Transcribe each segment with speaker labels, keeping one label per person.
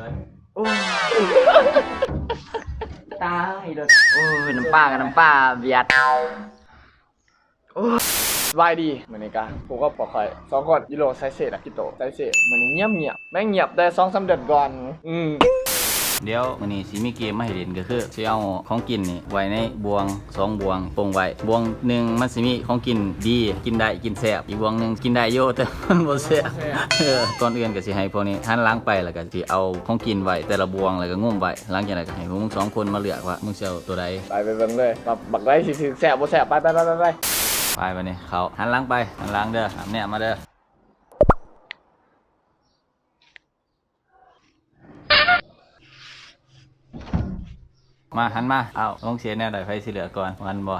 Speaker 1: โอ้ตายเลย
Speaker 2: โอ้ยน้ำปลากับน้ำปลาเบียด
Speaker 1: สบายดีมื้อนี้กะผมก็ปอกไข่2 ก้อนยูโรไซเซอะกิโตไซเซมื้อนี้เงียบแม่งเงียบได้ 2-3 เดือนก่อน
Speaker 2: เดี๋ยวมื้อนี้สิมีเกมมาให้เล่นก็คือสิเอาของกินนี่ไว้ในบวง2บวงโปงไว้บวงหนึ่งมันสิมีของกินดีกินได้กินแซ่บอีกบวงหนึงกินได้อยู่แต่มันบ่แซ่บก่อนอื่นก็สิให้พวกนี้หันหลังไปแล้วก็สิเอาของกินไว้แต่ละบวงแล้วก็งุ้มไว้หลังจากนั้นก็ให้พวกมึง2 คนมาเลือกว่ามึงสิเอาตัวใด
Speaker 1: ไปเบิ่งเลยว่าบักได้สิแซ่บบ่แซ่บไป
Speaker 2: ไปบัดนี้เขาหันหลังไปหันหลังเด้อเนี่ยมาเด้อมาหันมาเอาลงเสียแนวใดไฟสิเหลือก่อนมันบ่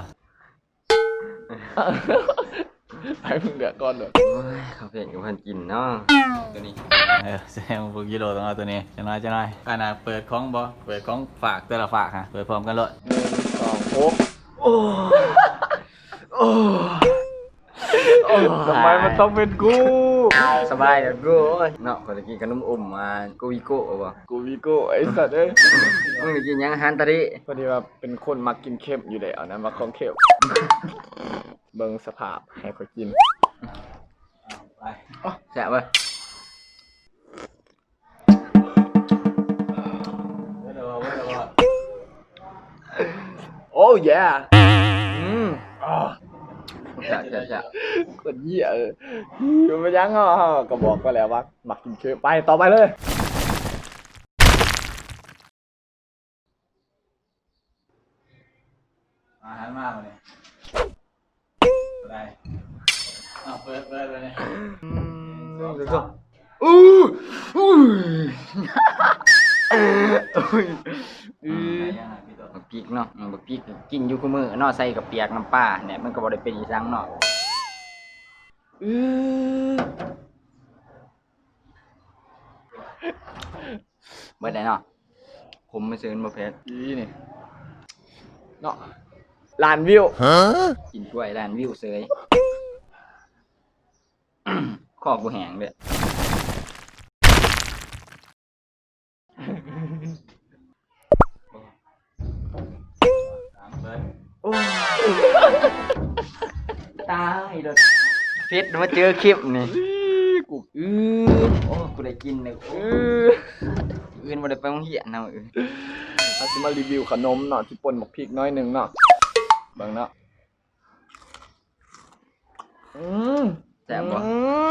Speaker 1: ไปมึงเดือดก่อนเด้อ
Speaker 3: โอ้ยเขาเพียนกับพันกินเนาะ
Speaker 2: ตัวนี้แซงพวกกิโลต้องเอาตัวนี้จะน้อยขนาดเปิดของบ่เปิดของฝากแต่ละฝากฮะเปิดพร้อมกันเลย
Speaker 1: 1 2 6โอ้ทำไมมันต้องเป็นกู
Speaker 3: สบายเดี๋ยวกูเนาะคนตะกี้ขนมมากูวิโก้บ่
Speaker 1: กูวีโก้ไอ้สัตว์เอ้ย
Speaker 3: มึงกินยังอาหารตะดิ
Speaker 1: พอดีว่าเป็นคนมักกินเค็มอยู่แล้วนะมักของเค็มเบิ่งสภาพให้เขากิน
Speaker 2: ไป
Speaker 3: แซ่บเว้ย
Speaker 1: โอ้ย
Speaker 3: แซ่บ
Speaker 1: คนเหี้ยอยู่มายังก็บอกก็แล้วว่ามักกินเค็มไปต่อไปเลย
Speaker 2: หันมาเลยได้เปิดเลย
Speaker 1: ดูสิ
Speaker 3: บักพริกเนาะบักพริกกินอยู่คู่มื้อเนาะใส่กับเปียกน้ำปลาเนี่ยมันก็บ่ได้เป็นอีสังเนาะเบิดได้เนาะผมไม่ซื้อบ่เผ็ด
Speaker 1: นี่เนาะล้านวิว
Speaker 3: กินกล้วยล้านวิวเสยคอกูแห้งเด้อ
Speaker 1: ตายเลย
Speaker 3: เผ็ดมาเจอคลิปนี่กูโอ้กูได้กินเลยอื่นบ่ได้ไปโรงเรียนเนาะ
Speaker 1: เขาสิมารีวิวขนมเนาะที่ป่นหมกพริกน้อยหนึ่งเนาะเบิ่งเนาะ
Speaker 3: แซ่บบ่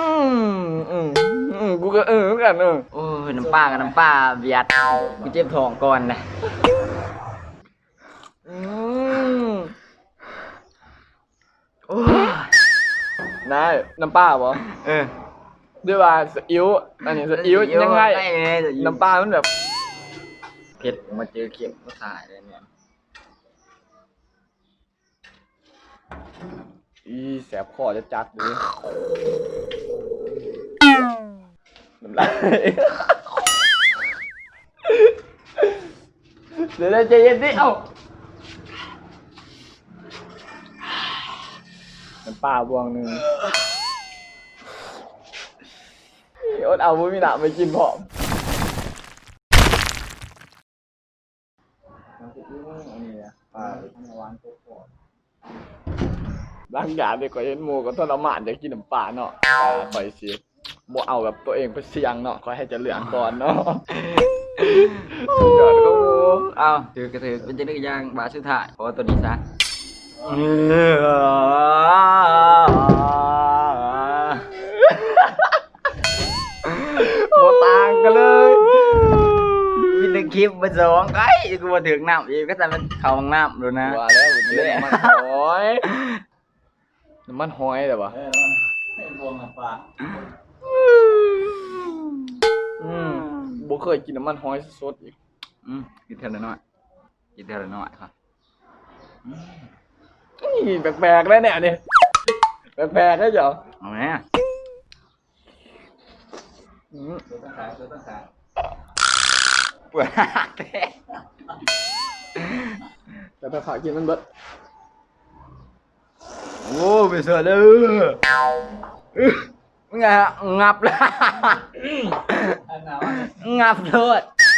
Speaker 1: กูก็เหมือนกัน
Speaker 3: โอ้ยน้ำปลากับน้ำปลาเบียดกูเจ็บท้องก่อนนะ
Speaker 1: โอ้นายน้ำปลาบ่ด้วยว่าสอิ๊วอันนี้สอิ๊วยังไงน้ำปลามันแบบ
Speaker 3: เผ็ดมาเจอเข็มก็ตายเลยเนี่ย
Speaker 1: แสบคอจะจัดเลยน้ำลายเดี๋ยวใจเย็นดิเอ้าน้ำปลาบวงหนึ่งอดเอาบุ้มีหนาไม่กินพร้อมร่างกายเด็กก็เห็นหมูก็ทรมานอยากกินน้ำปลาเนาะคอยสิบ่เอาแบบตัวเองไปเสี่ยงเนาะคอยให้จะเหลืองก่อนเนาะยอดก็
Speaker 3: เอาถือกระถือเป็นจะนึกย่างบาสุดท้ายขอตัวนี้ซะ
Speaker 1: โมต่างกันเลย
Speaker 3: มีแต่คลิปมาสองไอ้กูมาถึงน้ำอีกก็จะเป็นเขาห้องน้ำดูนะ
Speaker 1: ว่าแล้วน้ำมันหอยน้ำมันหอยแต่ว่า
Speaker 2: บวงน้ำปลา
Speaker 1: บ่เคยกินน้ำมันหอยสดอีก
Speaker 3: กินเท่าน้อยกินเท่าน้อยครับ
Speaker 1: นี่แปลกๆแล้วเนี่ยนี่แปลกๆได้จ้ะ
Speaker 3: เอาไหม
Speaker 2: ต้องขาย
Speaker 3: ปวด
Speaker 1: แต่ถ้าขากินมันเบิด
Speaker 3: โอ้ไปเสือเลยงับเลยงับโทษ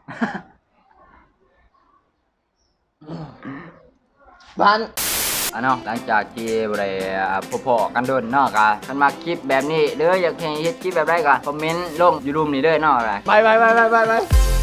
Speaker 1: บ้าน
Speaker 3: เนาะหลังจากที่บ่ได้พอๆกันโดนเนาะก็คันมาคลิปแบบนี้หรืออยากให้เฮ็ดคลิปแบบใดก็คอมเมนต์ลงอยู่รูมนี้เด้อเนาะ
Speaker 1: ไป